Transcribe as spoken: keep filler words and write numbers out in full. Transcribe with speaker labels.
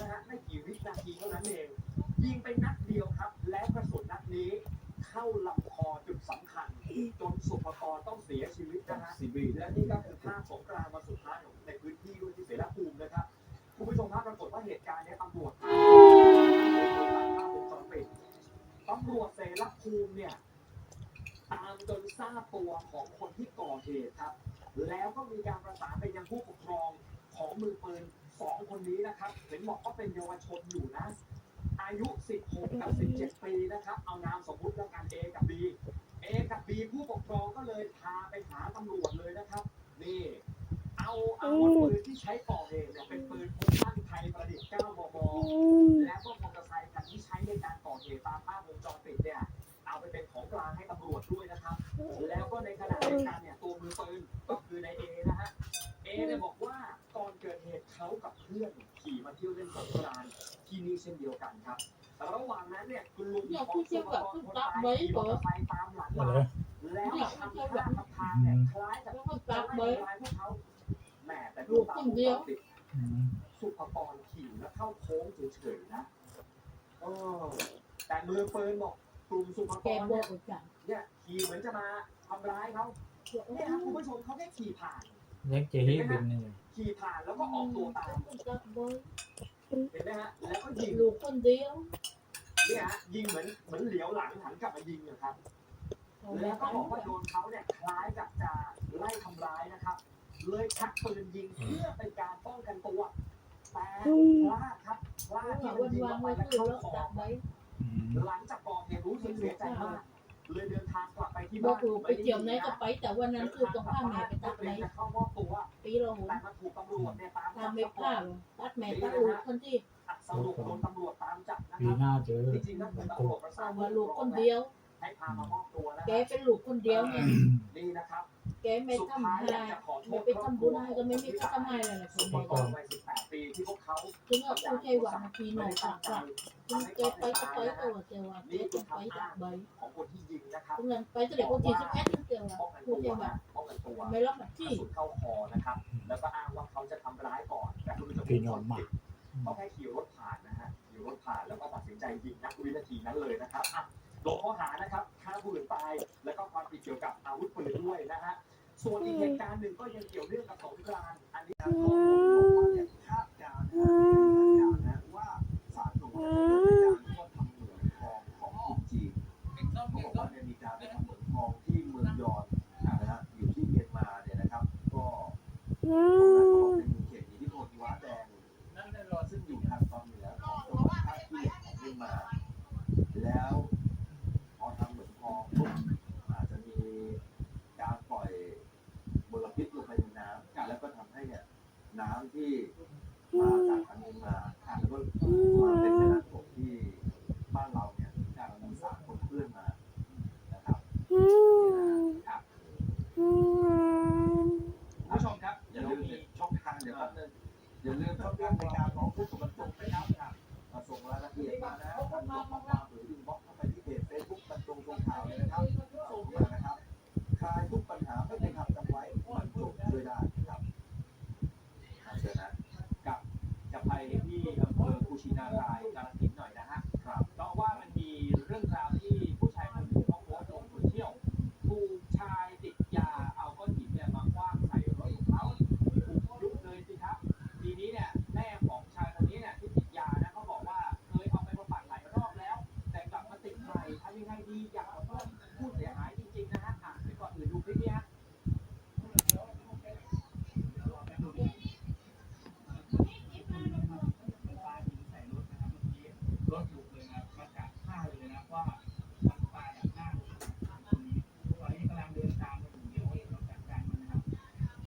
Speaker 1: นะฮะไม่กี่วินาทีเท่านั้นเองยิงไปนัดเดียวครับแล้วกระสุนนัดนี้เข้าลำคอจุดสำคัญจนสุภกรต้องเสียชีวิตนะฮะและนี่ก็คือภาพสงกรานต์วันสุดท้ายของในพื้นที่ด้วยที่เสรภูมินะครับคุณผู้ชมครับปรากฏว่าเหตุการณ์นี้ตำรวจตามวงจรปิดตำรวจเสรภูมิเนี่ยตามจนทราบตัวของคนที่ก่อเหตุครับแล้วก็มีการประสานไปยังผู้ปกครองของมือปืนสองคนนี้นะครับเห็นบอกว่าเป็นเยาวชนอยู่นะอายุสิบหกกับสิบเจ็ดปีนะครับเอานามสมมุติแล้วกัน A กับ B A กับ B ผู้ปกครองก็เลยพาไปหาตำรวจเลยนะครับนี่เอาอาวุธปืนที่ใช้ก่อเหตุเนี่ยเป็นปืนพกสั้นไทยประดิษฐ์เก้ามมและก็มอเตอร์ไซค์คันที่ใช้ในการก่อเหตุตามภาพวงจรปิดเนี่ยเอาไปเป็นของกลางให้ตำรวจด้วยนะครับแล้วก็ในขณะเดียวกันเนี่ยตัวมือปืนก็คือนาย A นะฮะ A เนี่ยบอกว่าก่อนเกิดเหตุเขากับเพื่อนขี่มาเที่ยวเล่นสงกรานต์ที่นี่เช่นเดียวกันครับระหว่างนั้นเนี่ยคุณลุงของสุภกรคนตายขี่มอเตอร์ไซค์ตามหลังมาแล้วทำท่าทำทางเนี่ยคล้ายกับจะไล่ทำร้ายพวกเขาแหมแต่ดูตามวงจรปิดสุภกรขี่แล้วเข้าโค้งเฉยๆนะเออแต่มือปืนบอกกลุ่มสุภกรเนี่ยเนี่ยขี่เหมือนจะมาทำร้ายเขาเนี่ยครับคุณผู้ชมเขาแค่ขี่ผ่าน
Speaker 2: ยังเจ๊เป็นนี่
Speaker 1: ขี่ผ่านแล้วก็ออกตัวตามเห็นไหมฮะแล้วก็ยิง
Speaker 3: ลูกคนเดียว
Speaker 1: เนี่ยฮะยิงเหมือนเหมือนเหลียวหลังหันกลับมายิงนะครับแล้วก็บอกว่าโดนเขาเนี่ยคล้ายกับจะไล่ทำร้ายนะครับเลยชักปืนยิงเพื่อเป็นการป้องกันตัวแต่พลาดครับพลาดที่มันยิงออกไปแล้วเข้าคอหลังจากก่อเหตุรู้สึกเสียใจมากเลยเดินทางกลับไปที่บ้าน
Speaker 3: ไปเที่ยวไหนก็ไปแต่วันนั้นคือต้องพาแม่ไปตัดไหน
Speaker 1: จะเข้ามอบตัว
Speaker 3: ปีละหน
Speaker 1: แต่มาถูกตำรวจเนี่ยตามจับ
Speaker 3: ไม่พลาดตัดแม่ตัดลูกคนที่
Speaker 1: สรุปโดนตำรวจตามจับนะค
Speaker 2: ปี
Speaker 1: รับ
Speaker 2: หน้าเจอ
Speaker 1: จริงๆแล้วคือตำรวจประสาน
Speaker 3: มาลูกคนเดียว
Speaker 1: ให้พามามอบตัวนะ
Speaker 3: แกเป็นลูกคนเดียวเนี่ย
Speaker 1: นี่นะครับ
Speaker 3: แกไม่ทำให้ไม่ไปทำบุญให้ก็ไม่มีก็ทำให้เลยนะคุณ
Speaker 1: บอกวัยสิบแปดปีที่พวกเขา
Speaker 3: ถึงเอาผู้ใจหวังทีหน่อยต่างกันถึงแกไปก็ไปตัวเจ้าว่าแกต้องไปจากใบ
Speaker 1: ของคนที่ยิงนะครับ
Speaker 3: ถึงนั้นไปจะเด็กคนที่สิบเอ็ดเจ้าว่าผู้ใจหวังไม่รับแบบที่
Speaker 1: เข้าคอนะครับแล้วก็อ้างว่าเขาจะทำร้ายก่อนแต่คุณผู้ชมเขาแค่ขี่รถผ่านนะฮะขี่รถผ่านแล้วก็ตัดสินใจยิงนักวินาทีนั้นเลยนะครับอ่ะลงข้อหานะครับฆ่าผู้อื่นตายแล้วก็ความผิดเกี่ยวกับอาวุธปืนด้วยนะฮะส่วนอีกเหตุการณ์หนึ่งก็ยังเกี่ยวเรื่องกับสงกรานต์อันนี้ครับข้อมูลบอกว่าเนี่ยคาดการณ์นะคาดการณ์นะว่าสารหนูจะเป็นการที่ว่าทำเหมืองทองของจีนเขาบอกว่าเนี่ยมีการไปทำเหมืองทองที่เมืองยอนนะฮะอยู่ที่เมียนมาเนี่ยนะครับก็ตรงนั้นก็เป็นเขตอิทธิพลว้าแดงซึ่งอยู่ทางตอนเหนือของจังหวัดท่าขี้เหล็กของเมียนมาแล้วพอทำเหมืองทองปุ๊บอาจจะมีการปล่อยมลพิษลงไปในน้ำแล้วก็ทำให้เนี่ยน้ำที่มาจากทางเมียนมาแล้วก็มาเป็นแม่น้ำโขงที่บ้านเราเนี่ยการมีสารปนเปื้อนมานะครับครับผู้ชมครับอย่าลืมช่องทางเดี๋ยวแป๊บนึงอย่าลืมช่องทางในการร้องทุกข์กับตรงนะครับมาส่งรายละเอียดมานะทางส่งข้อความหรืออินบ็อกซ์เข้าไปที่เพจเฟซบุ๊กบรรจงทรงข่าวเลยนะครับส่งมานะครับคลายทุกปัญหาไม่เป็นคำจำไว้มันจบด้วยได้ครับเชิญนะกับจะไปที่อำเภอกุชินารายกาฬสินธุ์หน่อยนะฮะครับเพราะว่ามันมีเรื่องราวที่ผู้ชายคนหนึ่งเขาโพสต์ลงโซเชียลถูกชายติดยาเอาก้อนหินเนี่ยมาคว้างใส่รถของเขาถูกยุบเลยสิครับทีนี้เนี่ยแม่ของชายคนนี้เนี่ยที่ติดยานะเขาบอกว่าเคยเอาไปบำบัดหลายรอบแล้วแต่กลับมาติดใหม่ทำยังไงดีอยากขอโทษผู้เสียหายจริงๆนะฮะอ่ะไปก่อนอื่นดูคลิปนี้ฮะรถอยู่เลยนะมาจากท่าเลยนะว่า